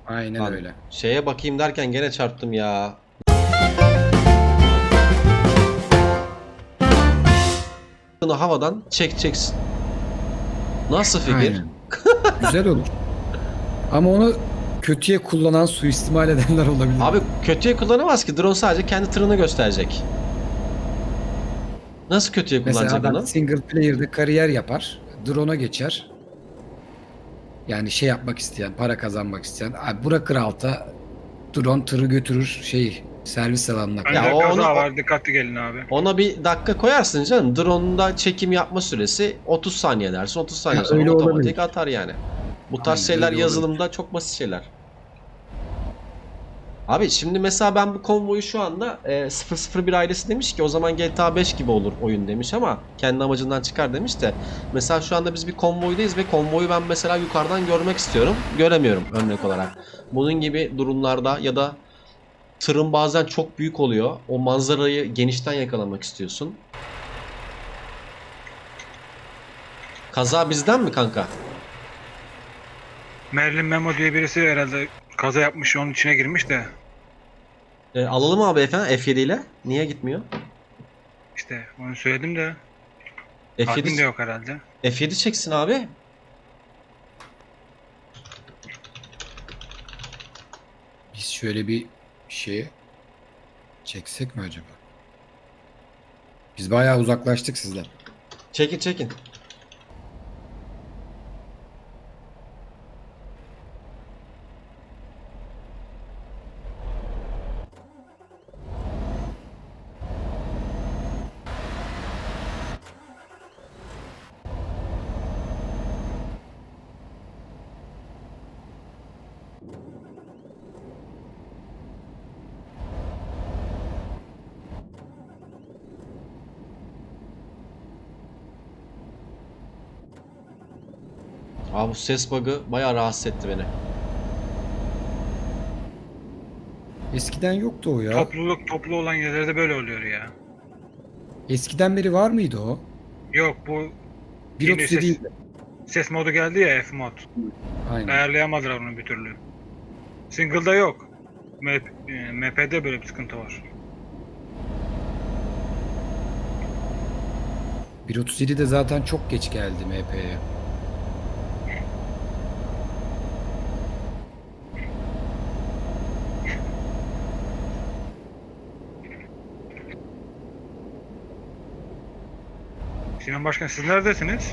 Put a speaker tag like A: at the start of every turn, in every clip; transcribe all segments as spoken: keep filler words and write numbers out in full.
A: Aynen
B: Lan
A: öyle.
B: şeye bakayım derken gene çarptım ya. Havadan çekeceksin. Nasıl fikir?
A: Aynen. Güzel olur. Ama onu kötüye kullanan, suistimal edenler olabilir.
B: Abi kötüye kullanamaz ki. Drone sadece kendi tırını gösterecek. Nasıl kötüye
A: Mesela
B: kullanacak
A: adam
B: onu?
A: single player'de kariyer yapar. Drone'a geçer. Yani şey yapmak isteyen, para kazanmak isteyen. Abi bırakır alta. Drone tırı götürür şey servis alanına
B: Ya
A: kadar.
C: Bende
B: o onu
C: kaza
B: o-
C: var, dikkatli gelin abi.
B: ona bir dakika koyarsın canım. Drone'da çekim yapma süresi otuz saniye dersin. otuz saniye
A: Ha,
B: sonra
A: öyle
B: otomatik
A: olabilir.
B: atar yani. Bu tarz
A: Aynen
B: şeyler
A: öyle olabilir.
B: yazılımda çok basit şeyler. Abi şimdi mesela ben bu konvoyu şu anda e, sıfır sıfır bir ailesi demiş ki o zaman G T A beş gibi olur oyun demiş ama kendi amacından çıkar demiş de mesela şu anda biz bir konvoydayız ve konvoyu ben mesela yukarıdan görmek istiyorum. Göremiyorum örnek olarak. Bunun gibi durumlarda ya da tırın bazen çok büyük oluyor. O manzarayı genişten yakalamak istiyorsun. Kaza bizden mi kanka?
C: Merlin Memo diye birisi herhalde kaza yapmış, onun içine girmiş de
B: E, alalım abi efendim F yedi ile. Niye gitmiyor?
C: işte onu söyledim de admin de
B: F yedi,
C: yok herhalde.
B: F yedi çeksin abi.
A: Biz şöyle bir şeye çeksek mi acaba? Biz bayağı uzaklaştık sizden.
B: Çekin çekin. Abi bu ses bug'ı bayağı rahatsız etti beni.
A: Eskiden yoktu o ya.
C: Topluluk toplu olan yerlerde böyle oluyor ya.
A: Eskiden beri var mıydı o?
C: Yok, bu
A: bir
C: yeni
A: otuz
C: ses,
A: yedi.
C: ses modu geldi ya, F mod.
A: Aynen.
C: Ayarlayamadılar onu bir türlü. Single'da yok. M e, M P'de böyle bir sıkıntı var.
A: bir otuz yedi de zaten çok geç geldi M P'ye.
C: Sinan Başkan, siz neredesiniz?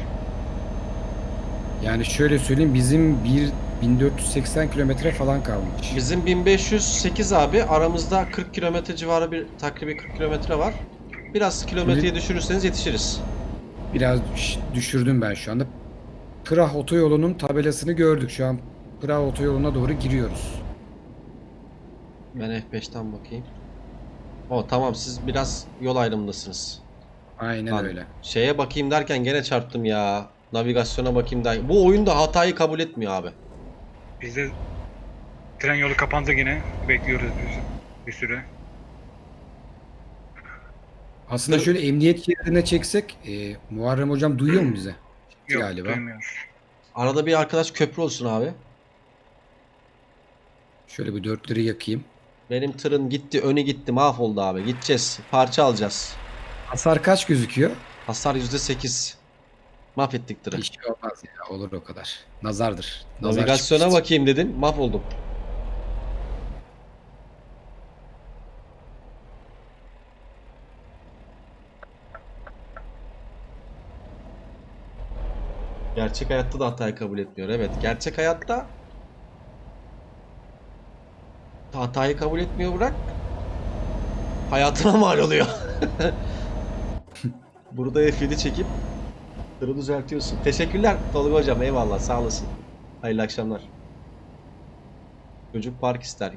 A: Yani şöyle söyleyeyim bizim bir bin dört yüz seksen kilometre falan kalmış.
B: Bizim bin beş yüz sekiz abi aramızda kırk kilometre civarı bir takribi kırk kilometre var. Biraz kilometreyi düşürürseniz yetişiriz.
A: Biraz düş- düşürdüm ben şu anda. Prah otoyolunun tabelasını gördük. Şu an Prah otoyoluna doğru giriyoruz.
B: Ben F beşten bakayım. O tamam siz biraz yol ayrımındasınız.
A: Aynen
B: Lan,
A: öyle.
B: şeye bakayım derken gene çarptım ya. Navigasyona bakayım derken. Bu oyunda hatayı kabul etmiyor abi.
C: Bizde tren yolu kapandı yine. Bekliyoruz biz bir süre.
A: Aslında
B: Dur.
A: şöyle emniyet şeridine çeksek e, Muharrem hocam duyuyor mu bize?
C: Yok,
A: Galiba.
C: duymuyor.
B: Arada bir arkadaş köprü olsun abi.
A: Şöyle bir dörtleri yakayım.
B: Benim tırın gitti, önü gitti, mahvoldu abi. Gideceğiz, parça alacağız.
A: Hasar kaç gözüküyor?
B: Hasar yüzde sekiz. Mahvettik tırı.
A: Hiç şey olmaz ya, olur o kadar. Nazardır. Nazar
B: Navigasyona
A: çıkmıştır.
B: bakayım dedim, mahvoldum. Gerçek hayatta da hatayı kabul etmiyor. Evet, gerçek hayatta hatayı kabul etmiyor bırak. Hayatına mal oluyor. Burada F yedi çekip tırı düzeltiyorsun. Teşekkürler Tolga hocam, eyvallah, sağ olasın. Hayırlı akşamlar. Çocuk park ister.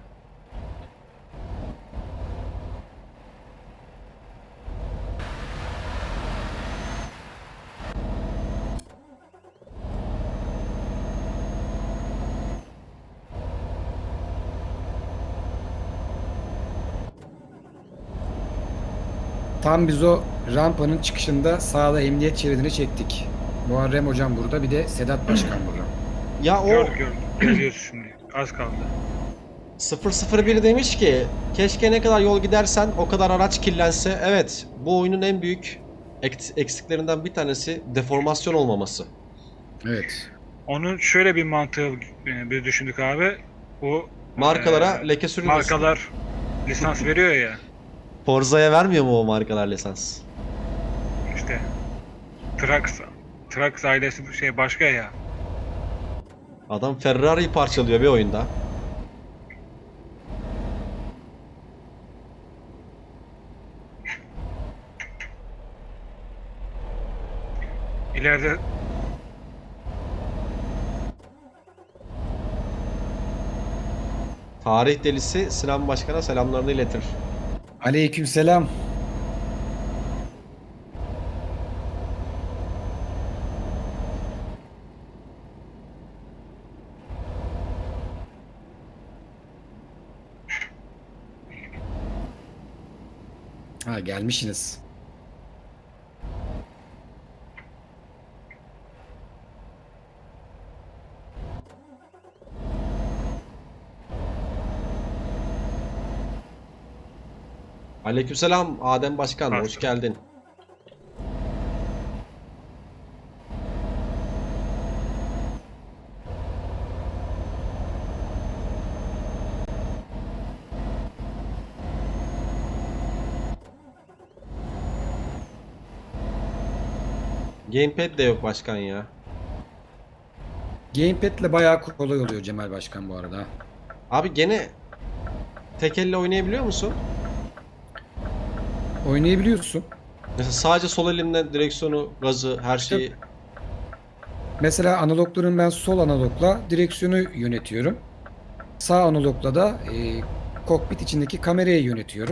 A: Tam biz o rampanın çıkışında sağda emniyet şeridini çektik. Muharrem hocam burada, bir de Sedat Başkan burada.
B: Ya o
C: Gördük gördük. Geziyoruz şimdi. Az kaldı.
B: sıfır sıfır bir demiş ki keşke ne kadar yol gidersen o kadar araç kirlense. Evet, bu oyunun en büyük ek- eksiklerinden bir tanesi deformasyon olmaması.
A: Evet.
C: Onun şöyle bir mantığı e, bir düşündük abi. Bu
B: Markalara
C: e,
B: leke sürülmesin.
C: markalar lisans veriyor ya.
B: Forza'ya vermiyor mu o markalar lisans?
C: İşte Trax Trax ailesi bu şey başka ya.
B: Adam Ferrari'yi parçalıyor bir oyunda.
C: İleride
B: Tarih delisi Sinan Başkan'a selamlarını iletir.
A: Aleykümselam. Ha gelmişsiniz.
B: Aleykümselam Adem Başkan, hoş
C: Bastım.
B: geldin. Gamepad de yok başkan ya.
A: Gamepad'le bayağı kolay oluyor Cemal Başkan bu arada.
B: Abi gene tek elle oynayabiliyor musun?
A: Oynayabiliyorsun.
B: Mesela sadece sol elimle direksiyonu, gazı, her şeyi.
A: Mesela analogların ben sol analogla direksiyonu yönetiyorum. Sağ analogla da e, kokpit içindeki kamerayı yönetiyorum.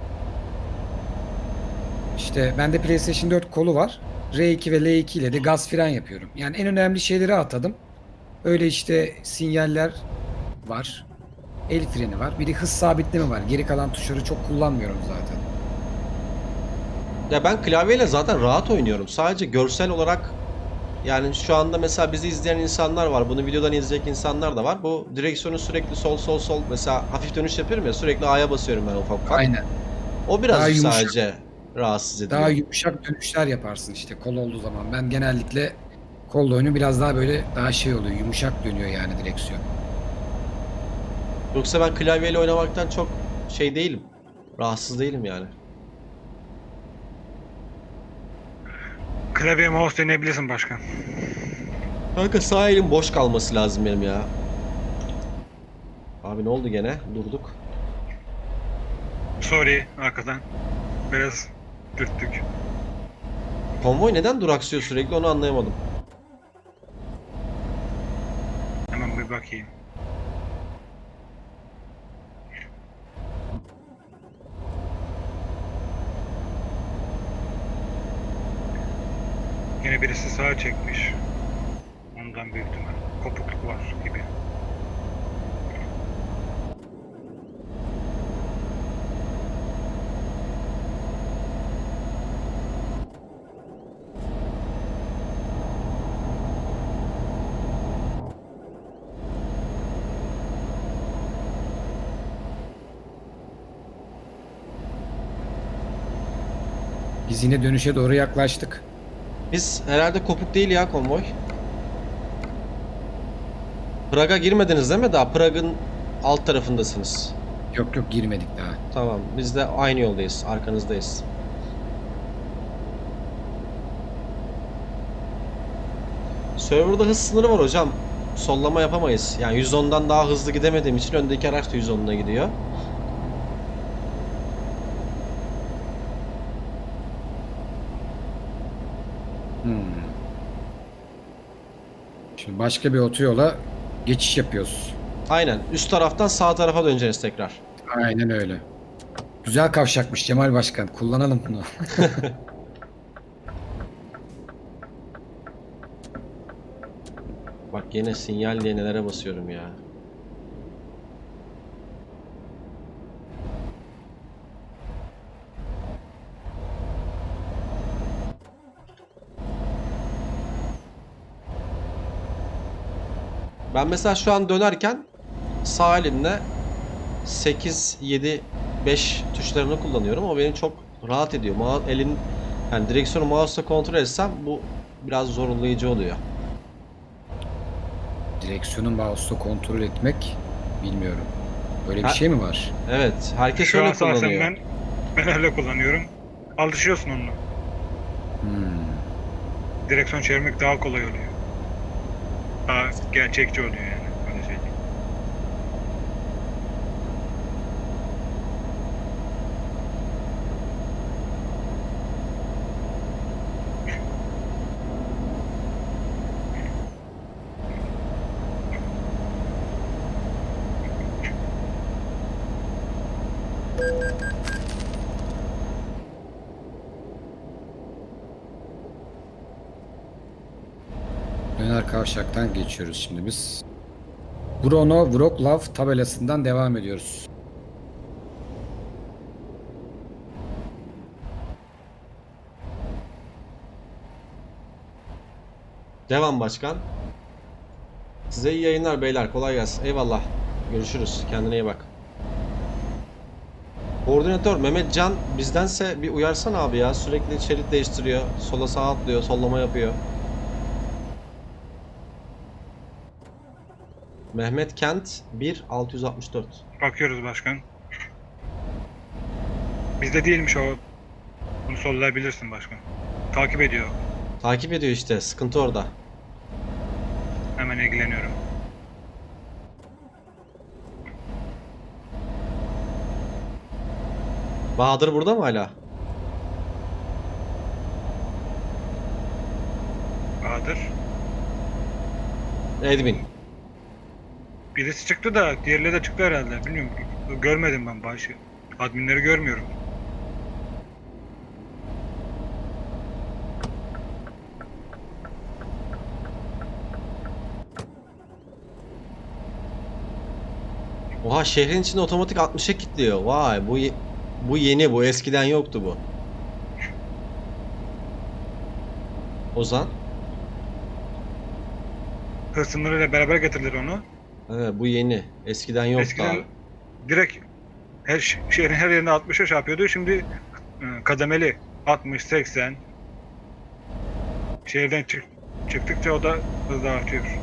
A: İşte bende PlayStation dört kolu var. R iki ve L iki ile de gaz fren yapıyorum. Yani en önemli şeyleri atadım. Öyle işte sinyaller var. El freni var. Bir de hız sabitleme var. Geri kalan tuşları çok kullanmıyorum zaten.
B: Ya ben klavyeyle zaten rahat oynuyorum. Sadece görsel olarak yani şu anda mesela bizi izleyen insanlar var. Bunu videodan izleyecek insanlar da var. Bu direksiyonu sürekli sol sol sol mesela hafif dönüş yapıyorum ya sürekli A'ya basıyorum ben ufak ufak.
A: Aynen.
B: O
A: Daha
B: birazcık
A: yumuşak.
B: sadece rahatsız ediyor.
A: Daha yumuşak dönüşler yaparsın işte kol olduğu zaman. Ben genellikle kolla oyunu biraz daha böyle daha şey oluyor. Yumuşak dönüyor yani direksiyon.
B: Yoksa ben klavyeyle oynamaktan çok şey değilim. Rahatsız değilim yani.
C: klavye mouse deneyebilirsin başkan.
B: Kanka sağ elim boş kalması lazım benim ya. Abi ne oldu gene? Durduk.
C: Sorry arkadan. Biraz dürttük.
B: Konvoy neden duraksıyor sürekli onu anlayamadım.
C: Hemen bir bakayım. Yine birisi sağa çekmiş. Ondan büyük ihtimal. Kopukluk var gibi.
A: Biz yine dönüşe doğru yaklaştık.
B: Biz herhalde kopuk değil ya konvoy. Prag'a girmediniz değil mi daha? Prag'ın alt tarafındasınız.
A: Yok yok girmedik daha.
B: Tamam biz de aynı yoldayız. Arkanızdayız. Server'da hız sınırı var hocam. Sollama yapamayız. Yani yüz ondan daha hızlı gidemediğim için öndeki araç da yüz onuna gidiyor.
A: Hmm. Şimdi başka bir otoyola geçiş yapıyoruz.
B: Aynen. Üst taraftan sağ tarafa döneceğiz tekrar.
A: Aynen öyle. Güzel kavşakmış Cemal Başkan. Kullanalım bunu.
B: Bak yine sinyal diye nelere basıyorum ya. Ben mesela şu an dönerken sağ elimle sekiz, yedi, beş tuşlarını kullanıyorum. O beni çok rahat ediyor. Ma elin yani direksiyonu mouse'la kontrol etsem bu biraz zorlayıcı oluyor.
A: Direksiyonu mouse'la kontrol etmek bilmiyorum. Böyle bir
B: Ha-
A: şey mi var?
B: Evet, herkes
C: Şu an
B: öyle
C: şahsen
B: kullanıyor.
C: ben, ben öyle kullanıyorum. Alışıyorsun onunla.
A: Hmm.
C: Direksiyon çevirmek daha kolay oluyor. Daha gerçekçi oluyor yani. Öyle söyleyeyim.
A: Döner kavşaktan geçiyoruz şimdi biz. Bruno Wroclaw tabelasından devam ediyoruz.
B: Devam başkan. Size iyi yayınlar beyler. Kolay gelsin. Eyvallah. Görüşürüz. Kendine iyi bak. Koordinatör Mehmet Can bizdense bir uyarsana abi ya. Sürekli şerit değiştiriyor. Sola sağa atlıyor. Sollama yapıyor. Mehmet Kent bir altı yüz altmış dört.
C: Bakıyoruz başkan. Bizde değilmiş o. Bunu sollayabilirsin başkan. Takip ediyor.
B: Takip ediyor işte. Sıkıntı orada.
C: Hemen ilgileniyorum.
B: Bahadır burada mı hala?
C: Bahadır.
B: Edwin.
C: Birisi çıktı da diğerleri de çıktı herhalde. Bilmiyorum. Görmedim ben başı. Adminleri görmüyorum.
B: Oha şehrin içinde otomatik altmışa kilitliyor. Vay bu ye- bu yeni, bu eskiden yoktu bu. Ozan.
C: Hız sınırıyla beraber getirdiler onu.
B: Evet bu yeni. Eskiden yoktu
C: Eskiden
B: abi.
C: direkt her ş- şehrin her yerine altmışa şey yapıyordu. Şimdi e, kademeli altmış, seksen. Şehirden çık çıktıkça o da hızla artıyor.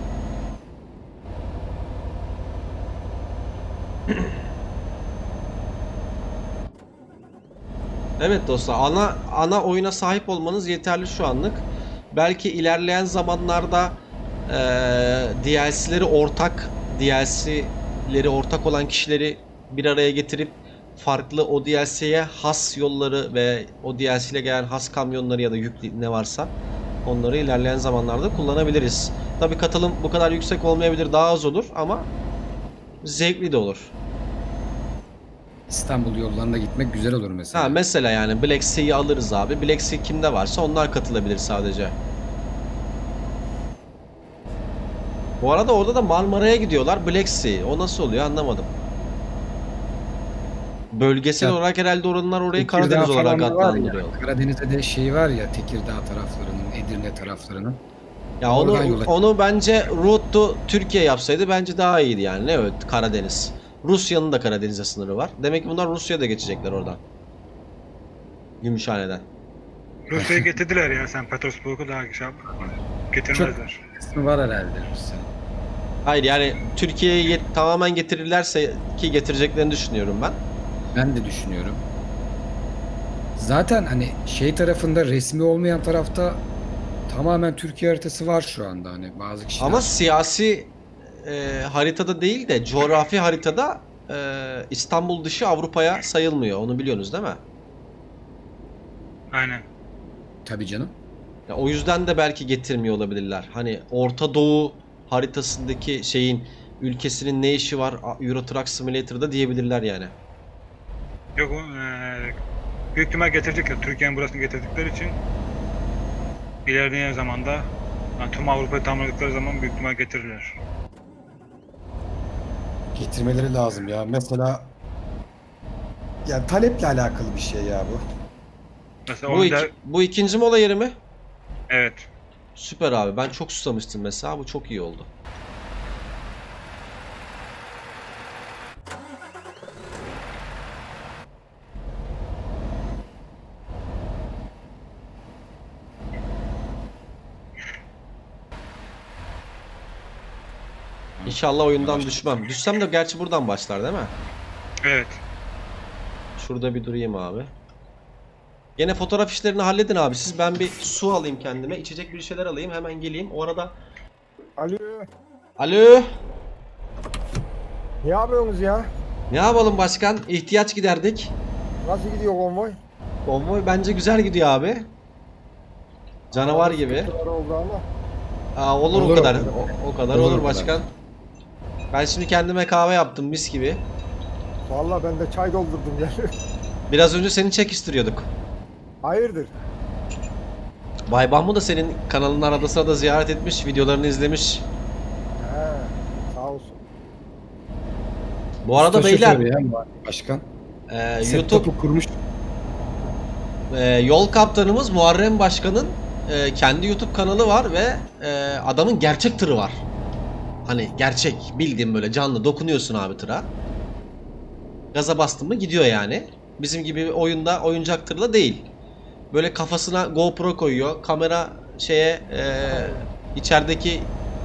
B: Evet dostlar, ana ana oyuna sahip olmanız yeterli şu anlık. Belki ilerleyen zamanlarda eee D L C'leri ortak, D L C'leri ortak olan kişileri bir araya getirip farklı o D L C'ye has yolları ve o D L C ile gelen has kamyonları ya da yük ne varsa onları ilerleyen zamanlarda kullanabiliriz. Tabii katılım bu kadar yüksek olmayabilir, daha az olur ama zevkli de olur.
A: İstanbul yollarında gitmek güzel olur mesela.
B: Ha mesela yani Black Sea'yi alırız abi. Black Sea kimde varsa onlar katılabilir sadece. Bu arada orada da Marmara'ya gidiyorlar. Black Sea. O nasıl oluyor anlamadım. Bölgesel
A: Ya,
B: olarak herhalde oranlar orayı
A: Tekirdağ
B: Karadeniz olarak
A: falan da var ya,
B: adlandırıyor.
A: Karadeniz'de de şey var ya, Tekirdağ taraflarının, Edirne taraflarının.
B: Ya onu
A: Oradan yola-
B: onu bence route to Türkiye yapsaydı bence daha iyiydi yani. Ne evet Karadeniz. Rusya'nın da Karadeniz'e sınırı var. Demek ki bunlar Rusya'da geçecekler oradan. Gümüşhane'den.
C: Rusya'yı getirdiler ya, sen Petersburg'u daha şey yap. Getirmezler.
A: kısmı var herhalde Rusya.
B: Hayır yani Türkiye'ye yet- tamamen getirirlerse ki getireceklerini düşünüyorum ben.
A: Ben de düşünüyorum. Zaten hani şey tarafında, resmi olmayan tarafta tamamen Türkiye haritası var şu anda, hani bazı kişiler.
B: Ama siyasi e, haritada değil de coğrafi haritada e, İstanbul dışı Avrupa'ya sayılmıyor. Onu biliyorsunuz değil mi?
C: Aynen.
A: Tabii canım.
B: Ya, o yüzden de belki getirmiyor olabilirler. Hani Orta Doğu haritasındaki şeyin ülkesinin ne işi var Euro Truck Simulator'da diyebilirler yani.
C: Yok eee büyük ihtimal getirecekler. Türkiye'nin burasını getirdikleri için ilerleyen zamanda, yani tüm Avrupa'yı tamamladıkları zaman büyük ihtimal getirirler.
D: Getirmeleri lazım ya. Mesela yani taleple alakalı bir şey ya bu.
C: Mesela
B: Bu,
C: onu
B: iki-
C: da,
B: bu ikinci mola yeri mi?
C: evet.
B: Süper abi. Ben çok susamıştım mesela. Bu çok iyi oldu. İnşallah oyundan düşmem. Düşsem de gerçi buradan başlar değil mi?
C: Evet.
B: Şurada bir durayım abi. Gene fotoğraf işlerini halledin abi siz. Ben bir su alayım kendime. İçecek bir şeyler alayım. Hemen geleyim. O arada...
E: Alo.
B: Alo.
E: Ne yapıyorsunuz ya?
B: Ne yapalım başkan? İhtiyaç giderdik.
E: Nasıl gidiyor konvoy?
B: Konvoy bence güzel gidiyor abi. Canavar
E: Arada
B: gibi.
E: sıkıntılar oldu ama.
B: Aa, olur,
A: Olur
B: o
A: o
B: kadar.
A: kadar.
B: O, o kadar
A: Olur
B: olur
A: o kadar.
B: başkan. Ben şimdi kendime kahve yaptım mis gibi.
E: Vallahi ben de çay doldurdum ya.
B: Biraz önce seni çekiştiriyorduk.
E: Hayırdır?
B: Bay Bahmu da senin kanalının arada sırada ziyaret etmiş, videolarını izlemiş.
E: He, sağ olsun.
B: Bu arada
A: Usta
B: beyler,
A: şoförü ya başkan.
B: e, YouTube
A: Setup'u kurmuş.
B: e, yol kaptanımız Muharrem Başkan'ın e, kendi YouTube kanalı var ve e, adamın gerçek tırı var. Hani gerçek, bildiğin böyle canlı dokunuyorsun abi tıra. Gaza bastın mı gidiyor yani. Bizim gibi oyunda oyuncak tırla değil. Böyle kafasına GoPro koyuyor. Kamera şeye e, içerideki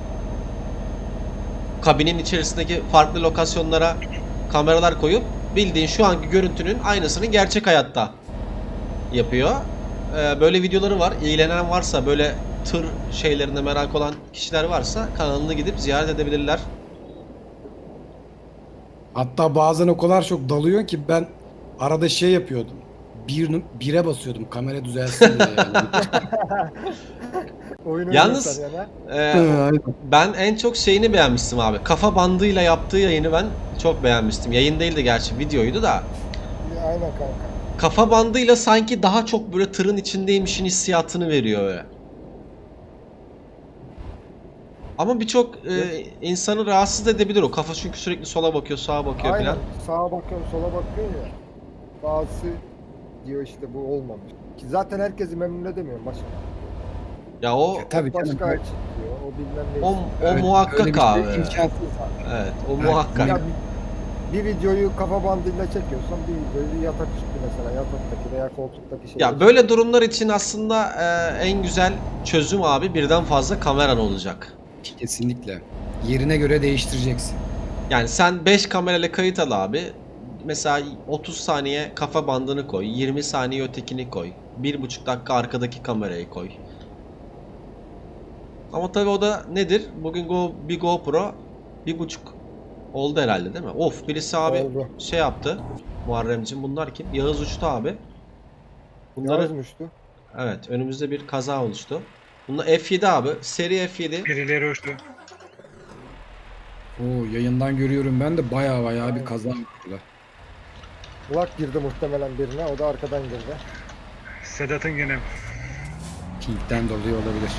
B: kabinin içerisindeki farklı lokasyonlara kameralar koyup bildiğin şu anki görüntünün aynısını gerçek hayatta yapıyor. E, böyle videoları var. İlgilenen varsa böyle tır şeylerine merak olan kişiler varsa kanalını gidip ziyaret edebilirler.
A: Hatta bazen o kadar çok dalıyor ki ben arada şey yapıyordum. Bir, bire basıyordum kamera düzelsin diye yani.
E: Oyun
B: Yalnız-
E: oynuyorsan ya.
B: E,
A: Aynen.
B: Ben en çok şeyini beğenmiştim abi. Kafa bandıyla yaptığı yayını ben çok beğenmiştim. Yayın değildi gerçi, videoydu da.
E: Aynen kanka.
B: Kafa bandıyla sanki daha çok böyle tırın içindeymişin hissiyatını veriyor öyle. Ama birçok e, insanı rahatsız edebilir o. Kafa çünkü sürekli sola bakıyor, sağa bakıyor
E: Aynen.
B: falan.
E: Sağa bakıyorsun, sola bakıyorsun ya. Bazısı diyor işte bu olmamış. Ki zaten herkesi memnun edemiyorum başka.
B: Ya o
A: Tabii
E: Başka
A: canım.
E: açık diyor. O bilmem ne.
B: o, o
A: Öyle-
B: muhakkak
A: öyle bir şey
B: abi.
A: imkansız.
B: Evet, o
A: Evet,
B: muhakkak.
E: Ya bir, bir videoyu kafa bandıyla çekiyorsan bir videoyu yatak üstü mesela yataktaki veya koltuktaki şey.
B: Ya böyle durumlar için aslında e, en güzel çözüm abi birden fazla kameran olacak.
A: Kesinlikle. Yerine göre değiştireceksin.
B: Yani sen beş kamerayla kayıt al abi. Mesela otuz saniye kafa bandını koy. yirmi saniye ötekini koy. bir buçuk dakika arkadaki kamerayı koy. Ama tabii o da nedir? Bugün Go, bir GoPro bir buçuk oldu herhalde değil mi? Of birisi abi
E: Oldu.
B: şey yaptı. Muharremciğim bunlar kim? Yağız uçtu abi. Bunları
E: Yazmıştı.
B: evet önümüzde bir kaza oluştu. Bunlar F yedi abi. Seri F yedi.
C: Birileri uçtu.
A: Oo, yayından görüyorum ben de baya baya bir kaza yaptılar.
E: Kulak girdi muhtemelen birine. O da arkadan girdi.
C: Sedat'ın gene
A: Pink'ten dolayı olabilir.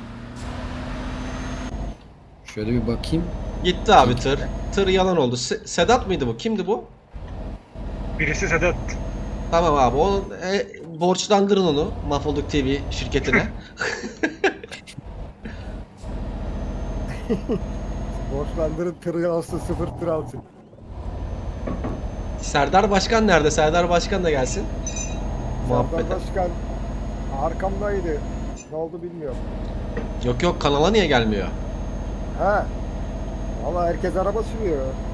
A: Şöyle bir bakayım.
B: Gitti abi tır. Tır yalan oldu. Se- Sedat mıydı bu? Kimdi bu?
C: birisi Sedat.
B: Tamam abi. Onu e, borçlandırın onu Mahvolduk T V şirketine.
E: Borçlandırın tırı alsın sıfır tır alsın.
B: Serdar Başkan nerede? Serdar Başkan da gelsin.
E: Serdar
B: Muhabbete.
E: Başkan arkamdaydı. Ne oldu bilmiyorum.
B: Yok yok kanala niye gelmiyor?
E: Ha. Valla herkes araba sürüyor.